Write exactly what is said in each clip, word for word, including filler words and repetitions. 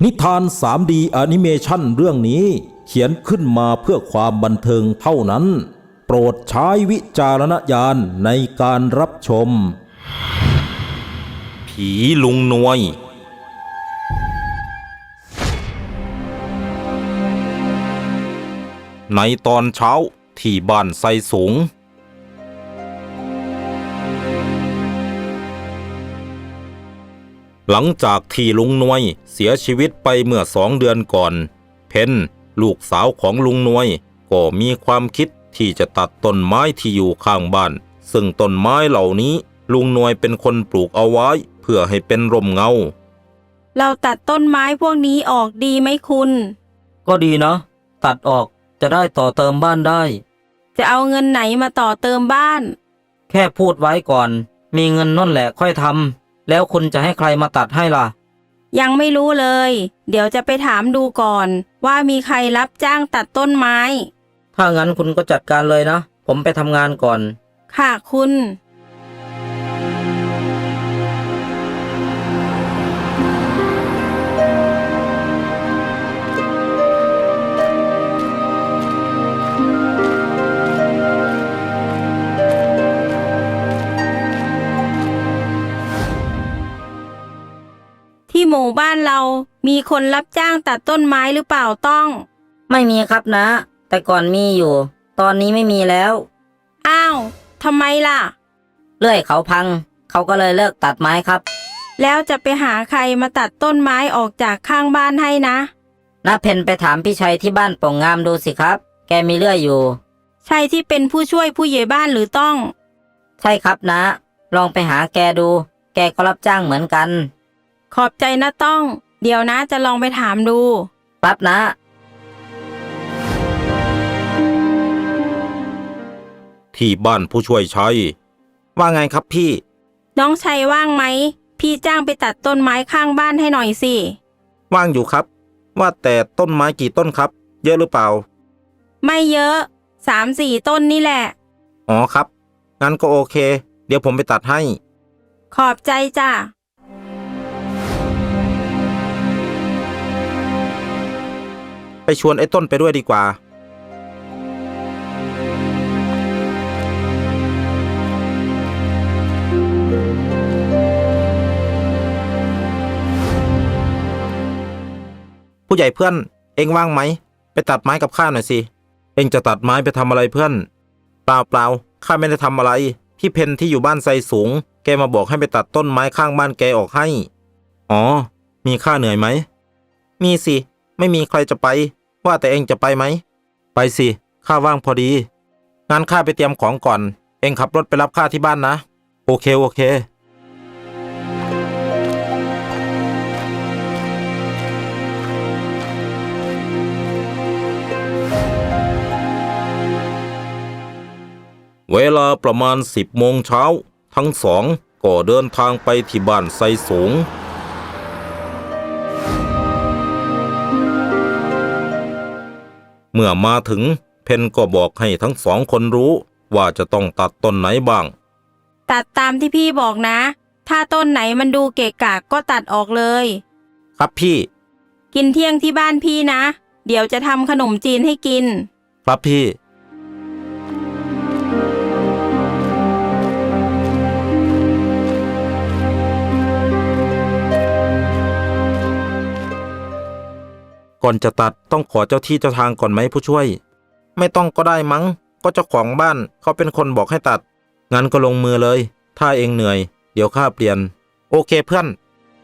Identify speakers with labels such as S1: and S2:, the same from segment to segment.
S1: นิทาน ทรี ดี แอนิเมชันเรื่องนี้เขียนขึ้นมาเพื่อความบันเทิงเท่านั้นโปรดใช้วิจารณญาณในการรับชมผีลุงนวยในตอนเช้าที่บ้านไซสูงหลังจากที่ลุงนวยเสียชีวิตไปเมื่อสองเดือนก่อนเพนลูกสาวของลุงนวยก็มีความคิดที่จะตัดต้นไม้ที่อยู่ข้างบ้านซึ่งต้นไม้เหล่านี้ลุงนวยเป็นคนปลูกเอาไว้เพื่อให้เป็นร่มเงา
S2: เราตัดต้นไม้พวกนี้ออกดีไหมคุณ
S3: ก็ดีนะตัดออกจะได้ต่อเติมบ้านได้
S2: จะเอาเงินไหนมาต่อเติมบ้าน
S3: แค่พูดไว้ก่อนมีเงินนั่นแหละค่อยทำแล้วคุณจะให้ใครมาตัดให้ล่ะ
S2: ยังไม่รู้เลยเดี๋ยวจะไปถามดูก่อนว่ามีใครรับจ้างตัดต้นไม้
S3: ถ้างั้นคุณก็จัดการเลยนะผมไปทำงานก่อน
S2: ค่ะคุณที่หมู่บ้านเรามีคนรับจ้างตัดต้นไม้หรือเปล่าต้อง
S3: ไม่มีครับนะแต่ก่อนมีอยู่ตอนนี้ไม่มีแล้ว
S2: อ้าวทำไมล่ะ
S3: เลื่อยเขาพังเขาก็เลยเลิกตัดไม้ครับ
S2: แล้วจะไปหาใครมาตัดต้นไม้ออกจากข้างบ้านให้นะ
S3: น้าเพนไปถามพี่ชัยที่บ้านโป่งงามดูสิครับแกมีเลื่อยอยู่
S2: ใช่ที่เป็นผู้ช่วยผู้ใหญ่บ้านหรือต้อง
S3: ใช่ครับนะลองไปหาแกดูแกก็รับจ้างเหมือนกัน
S2: ขอบใจนะต้องเดี๋ยวนะจะลองไปถามดู
S3: ปั๊บนะ
S1: ที่บ้านผู้ช่วยชัยว่าไงครับพี่
S2: น้องชัยว่างไหมพี่จ้างไปตัดต้นไม้ข้างบ้านให้หน่อยสิ
S1: ว่างอยู่ครับว่าแต่ต้นไม้กี่ต้นครับเยอะหรือเปล่า
S2: ไม่เยอะสามสี่ต้นนี่แหละ
S1: อ๋อครับงั้นก็โอเคเดี๋ยวผมไปตัดให้
S2: ขอบใจจ้ะ
S1: ไปชวนไอ้ต้นไปด้วยดีกว่าผู้ใหญ่เพื่อนเอ็งว่างไหมไปตัดไม้กับข้าหน่อยสิเอ็งจะตัดไม้ไปทำอะไรเพื่อนเปล่าเปล่าข้าไม่ได้ทำอะไรพี่เพนที่อยู่บ้านไซสูงแกมาบอกให้ไปตัดต้นไม้ข้างบ้านแกออกให้อ๋อมีค่าเหนื่อยไหมมีสิไม่มีใครจะไปว่าแต่เอ็งจะไปไหมไปสิข้าว่างพอดีงั้นข้าไปเตรียมของก่อนเอ็งขับรถไปรับข้าที่บ้านนะโอเคโอเคเวลาประมาณสิบโมงเช้าทั้งสองก็เดินทางไปที่บ้านไซสูงเมื่อมาถึงเพนก็บอกให้ทั้งสองคนรู้ว่าจะต้องตัดต้นไหนบ้าง
S2: ตัดตามที่พี่บอกนะถ้าต้นไหนมันดูเกะกะก็ตัดออกเลย
S1: ครับพี่
S2: กินเที่ยงที่บ้านพี่นะเดี๋ยวจะทำขนมจีนให้กิน
S1: ครับพี่ก่อนจะตัดต้องขอเจ้าที่เจ้าทางก่อนไหมผู้ช่วยไม่ต้องก็ได้มั้งก็เจ้าของบ้านเขาเป็นคนบอกให้ตัดงั้นก็ลงมือเลยถ้าเองเหนื่อยเดี๋ยวข้าเปลี่ยนโอเคเพื่อน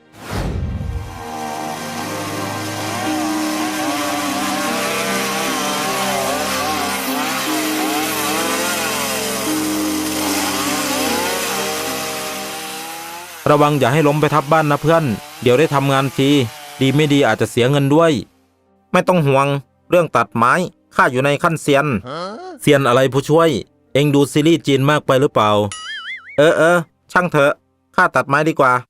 S1: ระวังอย่าให้ล้มไปทับบ้านนะเพื่อนเดี๋ยวได้ทำงานฟรีดีไม่ดีอาจจะเสียเงินด้วยไม่ต้องห่วงเรื่องตัดไม้ข้าอยู่ในขั้นเซียนเซียนอะไรผู้ช่วยเอ็งดูซีรีส์จีนมากไปหรือเปล่าเออเออช่างเถอะข้าตัดไม้ดีกว่า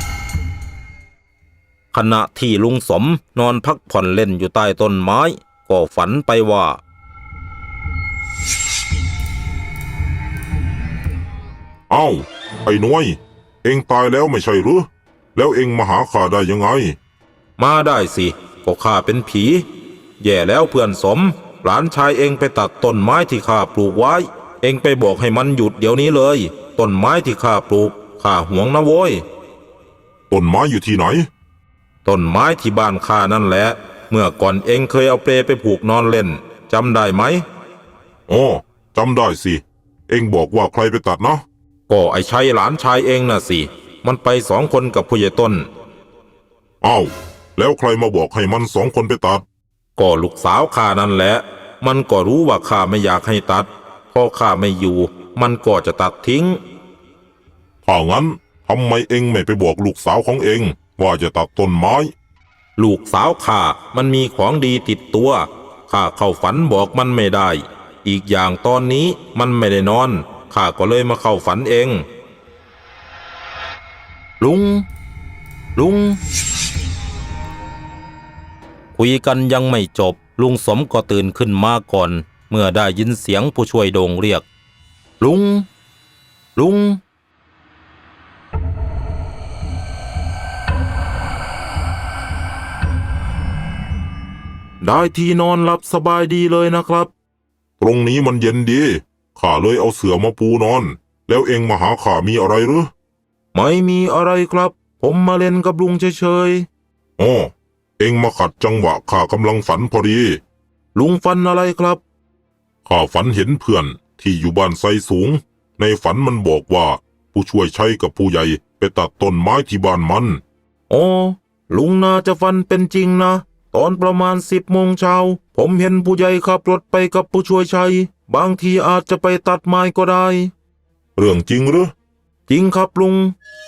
S1: ขณะที่ลุงสมนอนพักผ่อนเล่นอยู่ใต้ต้นไม้ ก็ก็ฝันไปว่า
S4: เอ้าไอ้น้อยเองตายแล้วไม่ใช่หรือแล้วเองมาหาข้าได้ยังไง
S1: มาได้สิก็ข้าเป็นผี แย่แล้วเพื่อนสมหลานชายเองไปตัดต้นไม้ที่ข้าปลูกไว้เองไปบอกให้มันหยุดเดี๋ยวนี้เลยต้นไม้ที่ข้าปลูกข้าหวงนะโว้ย
S4: ต้นไม้อยู่ที่ไหน
S1: ต้นไม้ที่บ้านข้านั่นแหละเมื่อก่อนเองเคยเอาเปลไปผูกนอนเล่นจำได้ไหม
S4: อ๋อจำได้สิเองบอกว่าใครไปตัดนะ
S1: ก็ไอ้ชัยหลานชายเองน่ะสิมันไปสองคนกับผู้ใหญ่ต้น
S4: อ้าวแล้วใครมาบอกให้มันสองคนไปตัด
S1: ก็ลูกสาวข้านั่นแหละมันก็รู้ว่าข้าไม่อยากให้ตัดพอข้าไม่อยู่มันก็จะตัดทิ้ง
S4: ถ้างั้นทำไมเองไม่ไปบอกลูกสาวของเองว่าจะตัดต้นไม้
S1: ลูกสาวข้ามันมีของดีติดตัวข้าเข้าฝันบอกมันไม่ได้อีกอย่างตอนนี้มันไม่ได้นอนข้าก็เลยมาเข้าฝันเองลุงลุงคุยกันยังไม่จบลุงสมก็ตื่นขึ้นมาก่อนเมื่อได้ยินเสียงผู้ช่วยโด่งเรียกลุงลุงได้ที่นอนหลับสบายดีเลยนะครับ
S4: ตรงนี้มันเย็นดีข้าเลยเอาเสื่อมาปูนอนแล้วเองมาหาข้ามีอะไรหรือ
S1: ไม่มีอะไรครับผมมาเล่นกับลุงเฉย
S4: ๆอ๋อเองมาขัดจังหวะข้ากำลังฝันพอดี
S1: ลุงฝันอะไรครับ
S4: ข้าฝันเห็นเพื่อนที่อยู่บ้านไซสูงในฝันมันบอกว่าผู้ช่วยชัยกับผู้ใหญ่ไปตัดต้นไม้ที่บ้านมัน
S1: อ๋อลุงน่าจะฝันเป็นจริงนะตอนประมาณสิบโมงเช้าผมเห็นผู้ใหญ่ขับรถไปกับผู้ช่วยชัยบางทีอาจจะไปตัดไม้ก็ได้
S4: เรื่องจริงหรือ
S1: จริงครับลุง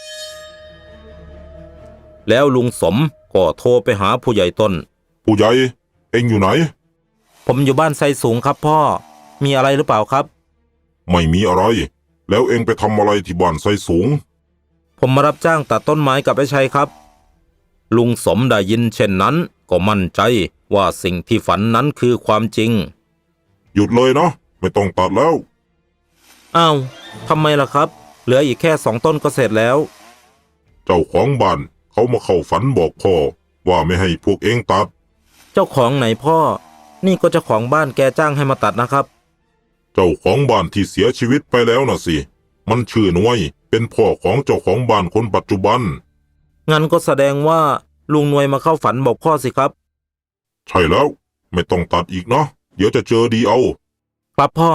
S1: แล้วลุงสมก็โทรไปหาผู้ใหญ่ต้น
S4: ผู้ใหญ่เอ็งอยู่ไหน
S1: ผมอยู่บ้านไซสูงครับพ่อมีอะไรหรือเปล่าครับ
S4: ไม่มีอะไรแล้วเอ็งไปทำอะไรที่บ้านไซสูง
S1: ผมมารับจ้างตัดต้นไม้กับไอ้ชัยครับลุงสมได้ยินเช่นนั้นก็มั่นใจว่าสิ่งที่ฝันนั้นคือความจริง
S4: หยุดเลยนะไม่ต้องตัดแล้ว
S1: อ้าวทำไมล่ะครับเหลืออีกแค่สองต้นก็เสร็จแล้ว
S4: เจ้าของบ้านเขามาเข้าฝันบอกพ่อว่าไม่ให้พวกเอ็งตัด
S1: เจ้าของไหนพ่อนี่ก็เจ้าของบ้านแกจ้างให้มาตัดนะครับ
S4: เจ้าของบ้านที่เสียชีวิตไปแล้วน่ะสิมันชื่อน้วยเป็นพ่อของเจ้าของบ้านคนปัจจุบัน
S1: งั้นก็แสดงว่าลุงนวยมาเข้าฝันบอกพ่อสิครับ
S4: ใช่แล้วไม่ต้องตัดอีกเนาะเดี๋ยวจะเจอดีเอา
S1: ครับพ่อ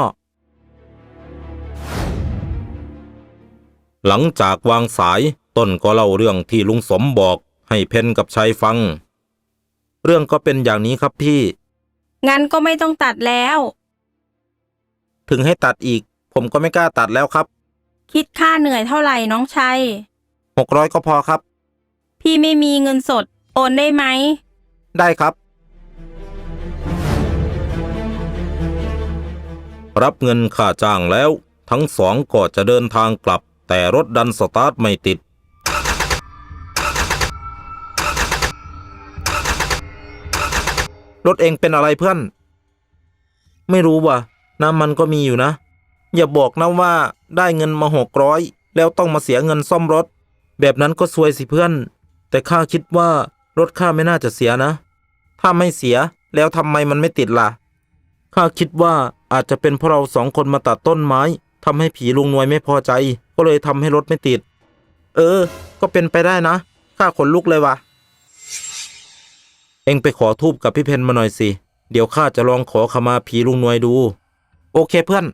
S1: หลังจากวางสายต้นก็เล่าเรื่องที่ลุงสมบอกให้เพนกับชัยฟังเรื่องก็เป็นอย่างนี้ครับพี่
S2: งั้นก็ไม่ต้องตัดแล้ว
S1: ถึงให้ตัดอีกผมก็ไม่กล้าตัดแล้วครับ
S2: คิดค่าเหนื่อยเท่าไหร่น้องชัย
S1: หกร้อยก็พอครับ
S2: พี่ไม่มีเงินสดโอนได้ไหม
S1: ได้ครับรับเงินค่าจ้างแล้วทั้งสองก็จะเดินทางกลับแต่รถดันสตาร์ทไม่ติดรถเองเป็นอะไรเพื่อนไม่รู้ว่ะน้ำมันก็มีอยู่นะอย่าบอกนะว่าได้เงินมาหกร้อยแล้วต้องมาเสียเงินซ่อมรถแบบนั้นก็ซวยสิเพื่อนแต่ข้าคิดว่ารถข้าไม่น่าจะเสียนะถ้าไม่เสียแล้วทำไมมันไม่ติดล่ะข้าคิดว่าอาจจะเป็นเพราะเราสองคนมาตัดต้นไม้ทำให้ผีลุงนวยไม่พอใจก็เลยทำให้รถไม่ติดเออก็เป็นไปได้นะข้าขนลุกเลยว่ะเอ็งไปขอธูปกับพี่เพนมาหน่อยสิเดี๋ยวข้าจะลองขอขมาผีลุงนวยดูโอเคเพื่อน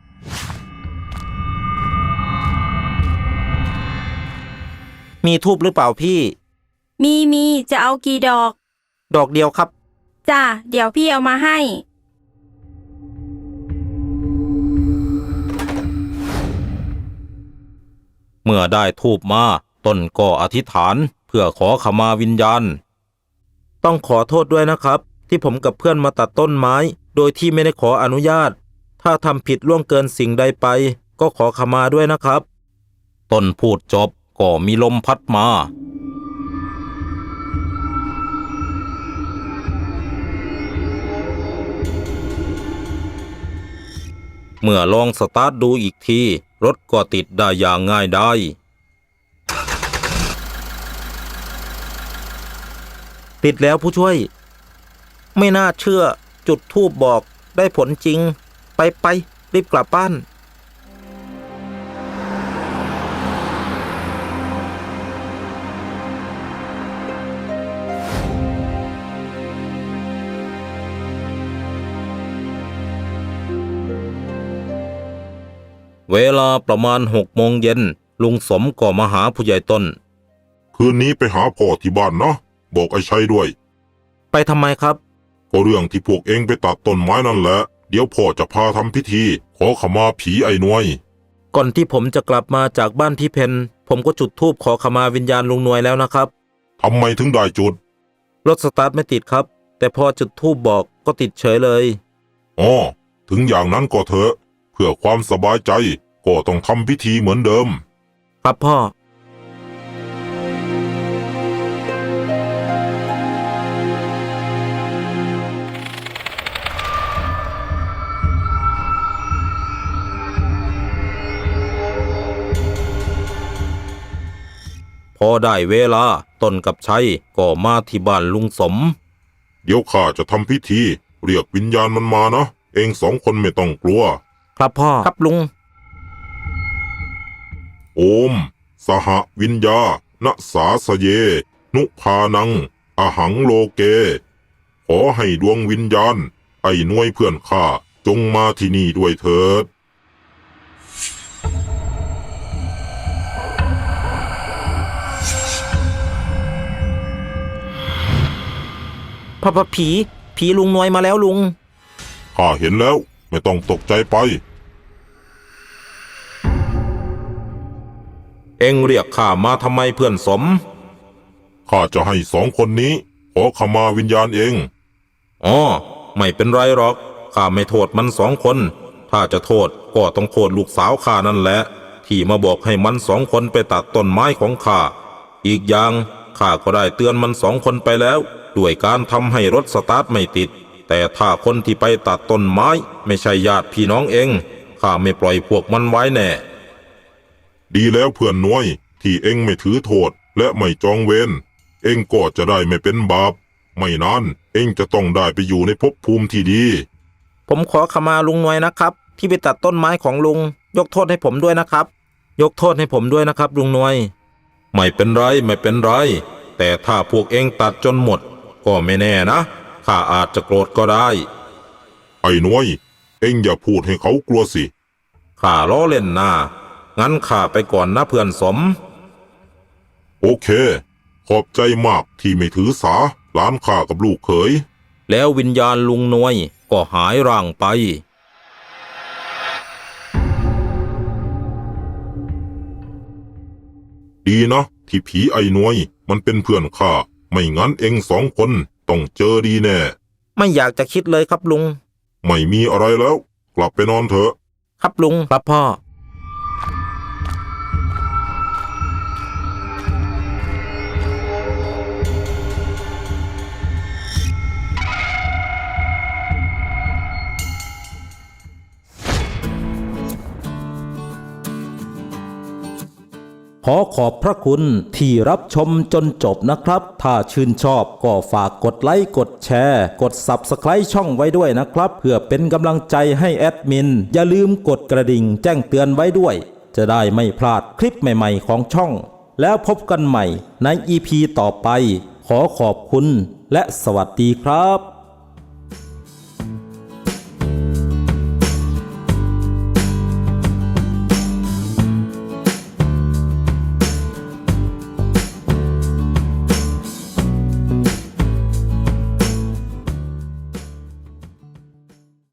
S1: มีธูปหรือเปล่าพี่
S2: มีมีจะเอากี่ดอก
S1: ดอกเดียวครับ
S2: จ้ะเดี๋ยวพี่เอามาให้
S1: เมื่อได้ธูปมาต้นก็อธิษฐานเพื่อขอขมาวิญญาณต้องขอโทษด้วยนะครับที่ผมกับเพื่อนมาตัดต้นไม้โดยที่ไม่ได้ขออนุญาตถ้าทำผิดล่วงเกินสิ่งใดไปก็ขอขมาด้วยนะครับต้นพูดจบก็มีลมพัดมาเมื่อลองสตาร์ทดูอีกทีรถก็ติดได้อย่างง่ายได้ ติดแล้วผู้ช่วยไม่น่าเชื่อจุดธูปบอกได้ผลจริงไปไปรีบกลับบ้านเวลาประมาณหกโมงเย็นลุงสมก็มาหาผู้ใหญ่ต้น
S4: คืนนี้ไปหาพ่อที่บ้านนะบอกไอ้ชัยด้วย
S1: ไปทำไมครับ
S4: ก็เรื่องที่พวกเองไปตัดต้นไม้นั่นแหละเดี๋ยวพ่อจะพาทำพิธีขอขมาผีไอ้นวย
S1: ก่อนที่ผมจะกลับมาจากบ้านพี่เพนผมก็จุดธูปขอขมาวิญญาณลุงนวยแล้วนะครับ
S4: ทำไมถึงได้จุด
S1: รถสตาร์ทไม่ติดครับแต่พอจุดธูปบอกก็ติดเฉยเลย
S4: อ๋อถึงอย่างนั้นก็เถอะเพื่อความสบายใจก็ต้องทำพิธีเหมือนเดิม
S1: ครับพ่อพอได้เวลาต้นกับชัยก็มาที่บ้านลุงสม
S4: เดี๋ยวข้าจะทำพิธีเรียกวิญญาณมันมานะเองสองคนไม่ต้องกลัว
S1: ครับพ่อครับลุง
S4: โอม สหวิญญาณสาสเย นุภานัง อหังโลเก ขอให้ดวงวิญญาณ ไอ้นวยเพื่อนข้าจงมาที่นี่ด้วยเถิด
S1: พระพผี ผีลุงนวยมาแล้วลุง
S4: ข้าเห็นแล้วไม่ต้องตกใจไป
S1: เอ็งเรียกข้ามาทำไมเพื่อนสม
S4: ข้าจะให้สองคนนี้ขอขมาวิญญาณเอง
S1: อ๋อไม่เป็นไรหรอกข้าไม่โทษมันสองคน ถ้าจะโทษก็ต้องโทษลูกสาวข้านั่นแหละที่มาบอกให้มันสองคนไปตัดต้นไม้ของข้าอีกอย่างข้าก็ได้เตือนมันสองคนไปแล้วด้วยการทำให้รถสตาร์ทไม่ติดแต่ถ้าคนที่ไปตัดต้นไม้ไม่ใช่ญาติพี่น้องเองข้าไม่ปล่อยพวกมันไว้แน่
S4: ดีแล้วเพื่อนน้อยที่เอ็งไม่ถือโทษและไม่จองเวรเอ็งก็จะได้ไม่เป็นบาปไม่นานเอ็งจะต้องได้ไปอยู่ในภพภูมิที่ดี
S1: ผมขอขมาลุงนวยนะครับที่ไปตัดต้นไม้ของลุงยกโทษให้ผมด้วยนะครับยกโทษให้ผมด้วยนะครับลุงนวยไม่เป็นไรไม่เป็นไรแต่ถ้าพวกเอ็งตัดจนหมดก็ไม่แน่นะข้าอาจจะโกรธก็ได้
S4: ไอ้น้อยเอ็งอย่าพูดให้เขากลัวสิ
S1: ข้าล้อเล่นนะงั้นข้าไปก่อนนะเพื่อนสม
S4: โอเค ขอบใจมากที่ไม่ถือสาหลานข้ากับลูกเขย
S1: แล้ววิญญาณลุงนวยก็หายร่างไป
S4: ดีนะที่ผีไอ้น้อยมันเป็นเพื่อนข้าไม่งั้นเอ็งสองคนต้องเจอดีแน่
S1: ไม่อยากจะคิดเลยครับลุง
S4: ไม่มีอะไรแล้ว กลับไปนอนเถอะ
S1: ครับลุงครับพ่อ
S5: ขอขอบพระคุณที่รับชมจนจบนะครับ ถ้าชื่นชอบก็ฝากกดไลค์กดแชร์กด ซับสไครบ์ ช่องไว้ด้วยนะครับเพื่อเป็นกำลังใจให้แอดมินอย่าลืมกดกระดิ่งแจ้งเตือนไว้ด้วยจะได้ไม่พลาดคลิปใหม่ๆของช่องแล้วพบกันใหม่ใน อี พี ต่อไปขอขอบคุณและสวัสดีครับ